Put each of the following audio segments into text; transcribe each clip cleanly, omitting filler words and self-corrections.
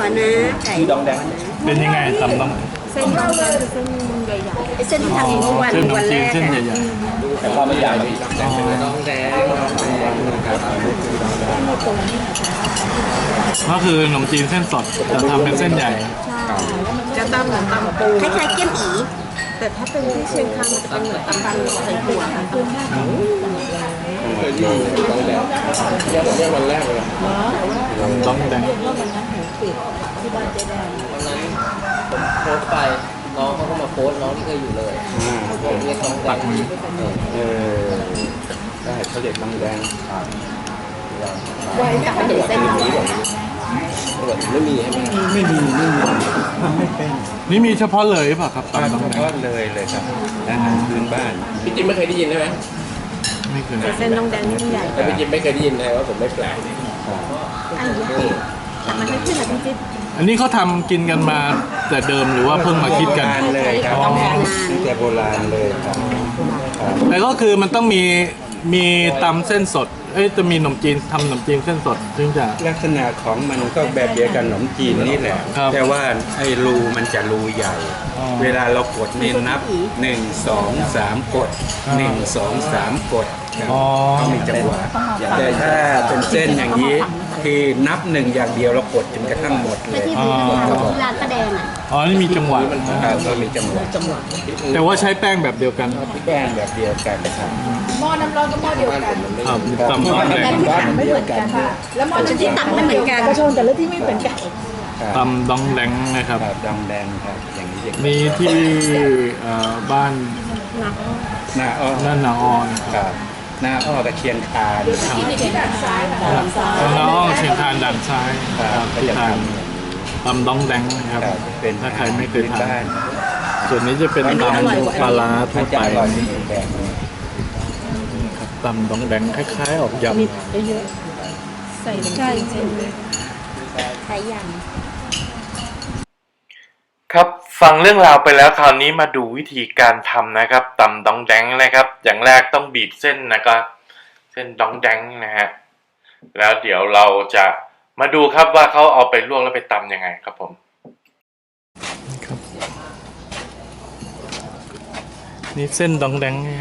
นะไก่ดองแดงเป็นยังไงตำต้องเส้นดองแดงเส้นใหญ่ๆเส้นที่ทำเมื่อวันวันแรกเส้นใหญ่ๆแต่ความไม่ใหญ่ดองแดงก็คือขนมจีนเส้นสดจะทำเป็นเส้นใหญ่จะตำเหมือนตำปูคล้ายๆเกี๊ยมอีแต่ถ้าเป็นที่เชียงคานมันจะเป็นเหมือนตำปูใส่ถั่วค่ะเคยดูดองแดงยังวันแรกเลยดองแดงวันนั้นผมโพสต์ไปน้องเขาก็มาโพสต์น้องที่เคยอยู่เลยผมเรียกน้องแดงได้เขาเรียกดองแดงไม่มีใช่ไหมไม่มีทำไม่เป็นนี่มีเฉพาะเลยป่ะครับตำเฉพาะเลยครับอาหารพื้นบ้านพี่จิมไม่เคยได้ยินใช่ไหมไม่เคยเส้นดองแดงนี่ใหญ่แต่พี่จิมไม่เคยได้ยินเลยว่าผมไม่แปลกอันนี้มันให้ขึ้นแบบจิ๊บอันนี้เขาทำกินกันมาแต่เดิมหรือว่าเพิ่งมาคิดกันเลยครับตั้งแต่โบราณเลยครับแต่ก็คือมันต้องมีตำเส้นสดจะมีขนมจีนทำขนมจีนเส้นสดซึ่งจะลักษณะของมันก็แบบเดียวกันขนมจีนนี่แหละแต่ว่าไอ้รูมันจะรูใหญ่เวลาเรากดนี่นับ1 2 3กด1 2 3กดต้องมีจังหวะแต่ถ้าเป็นเส้นอย่างนี้คือนับ1อย่างเดียวเรากดจนกระทั่งหมดเลยที่ร้านป้าแดงนี่มีจังหวะก็มีจังหวะแต่ว่าใช้แป้งแบบเดียวกันแป้งแบบเดียวกันครับหม้อน้ำร้อนก็หม้อเดียวกันครับตำดองแดงไม่เหมือนกันค่ะแล้วหม้อที่ตักไม่เหมือนกันกระชงแต่ละที่ไม่เหมือนกันตำดองแดงนะครับดองแดงครับอย่างนี้มีที่บ้านนาอ้อนาอ้อครับนาอ้อกับเชียงคานนาอ้อเชียงคานด่านซ้ายที่ทานตำดองแดงนะครับถ้าใครไม่เคยทานส่วนนี้จะเป็นตำปลาร้าทั่วไปตำดองแดงคล้ายๆออกยำเยอะใส่ใช่ใส่ยำครับฟังเรื่องราวไปแล้วคราวนี้มาดูวิธีการทำนะครับตำดองแดงนะครับอย่างแรกต้องบีบเส้นนะครับเส้นดองแดงนะฮะแล้วเดี๋ยวเราจะมาดูครับว่าเขาเอาไปลวกแล้วไปตำยังไงครับผมครับนี่เส้นดองแดงนี่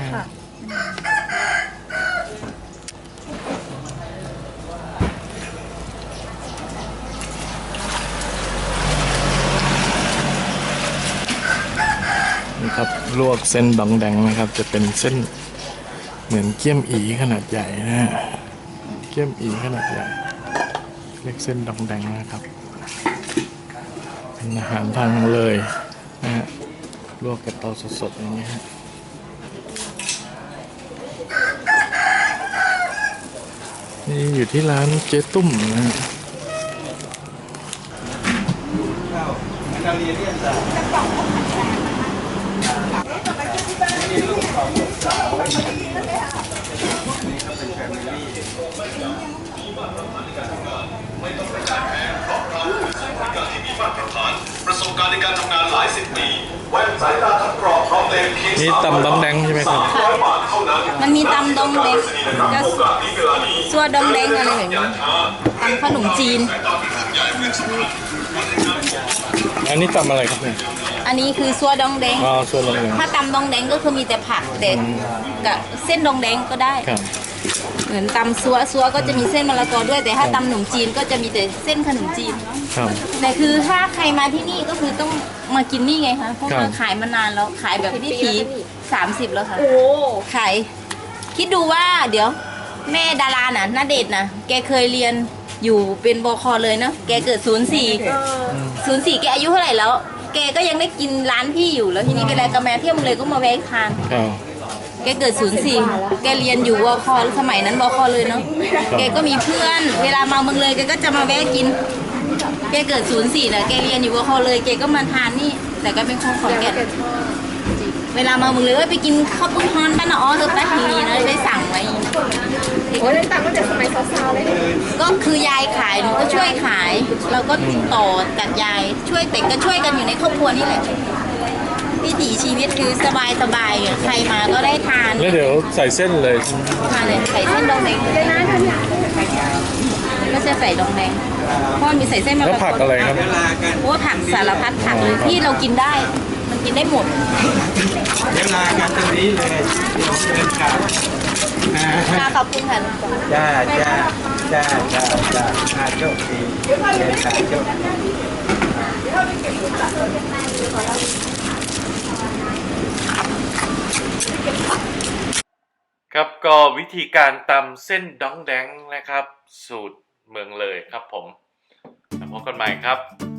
ครับลวกเส้นดองแดงนะครับจะเป็นเส้นเหมือนเกี๊ยมอีขนาดใหญ่นะฮะเกี๊ยมอีขนาดใหญ่เรียกเส้นดองแดงนะครับเป็นอาหารทางเลยนะฮะลวกกับเตาสดๆอย่างเงี้ยฮะนี่อยู่ที่ร้านเจ๊ตุ้มนะฮะประสบการณ์ในการทำงานหลาย10 ปีแว่นสายตาทับกรอบพร้อมเลนส์นี่ตำดองแดงใช่ไหมครับมันมีตำดองแดงก็ซัวดองแดงอะไรอย่างนี้ตำขนมจีนอันนี้ตำอะไรครับเนี่ยอันนี้คือซัวดองแดงซัวดองแดงถ้าตำดองแดงก็คือมีแต่ผักแต่กับเส้นดองแดงก็ได้เหมือนตำซัวก็จะมีเส้นมะละกอด้วยแต่ถ้าตำขนมจีนก็จะมีแต่เส้นขนมจีนแต่คือถ้าใครมาที่นี่ก็คือต้องมากินนี่ไงคะเพราะมาขายมานานแล้วขายแบบวิถี30แล้วค่ะขายคิดดูว่าเดี๋ยวแม่ดาราน่ะณเดชน์น่ะแกเคยเรียนอยู่เป็นบค.เลยเนาะแกเกิด04แกอายุเท่าไหร่แล้วแกก็ยังได้กินร้านพี่อยู่แล้วทีนี้เวลากระแมเที่ยวมึงเลยก็มาแวะทานแกเกิด04แกเรียนอยู่บค.สมัยนั้นบค.เลยเนาะแกก็มีเพื่อนเวลามาเมืองเลยแกก็จะมาแวะกินแกเกิด04นะแกเรียนอยู่บค.เลยแกก็มาทานนี่แต่ก็เป็นคนขอนแก่นเวลามาเมืองเลยไปกินข้าวปุ้นฮอนบ้านอ๋อเธอแป๊บนี้นะได้สั่งไว้โอ้ยได้ตังค์ตั้งแต่สมัยสาวๆเลยก็คือยายขายหนูก็ช่วยขายเราก็ต่อจากยายช่วยแต่ก็ช่วยกันอยู่ในครอบครัวนี่แหละวิถีชีวิตคือสบายใครมาก็ได้ทานแล้วเดี๋ยวใส่เส้นเลยทานเลยใส่เส้นดองแดงก็จะใส่ดองแดงเพราะมันมีใส่เส้นมะแล้วละกผักออะไรครับเวลากันโอ้ผักสารพัดผักเลยที่เรากินได้ มันกินได้หมดเวลากันตรงนี้เลยเดี๋ยวเดินกลับค่ะขอบคุณค่ะลุงจ๋าจ้าจ้าจ้าจ้าจ้าโชคดีเดินทางโชคดีครับก็วิธีการตำเส้นดองแดงนะครับ สูตรเมืองเลยครับผมแล้วพบกันใหม่ครับ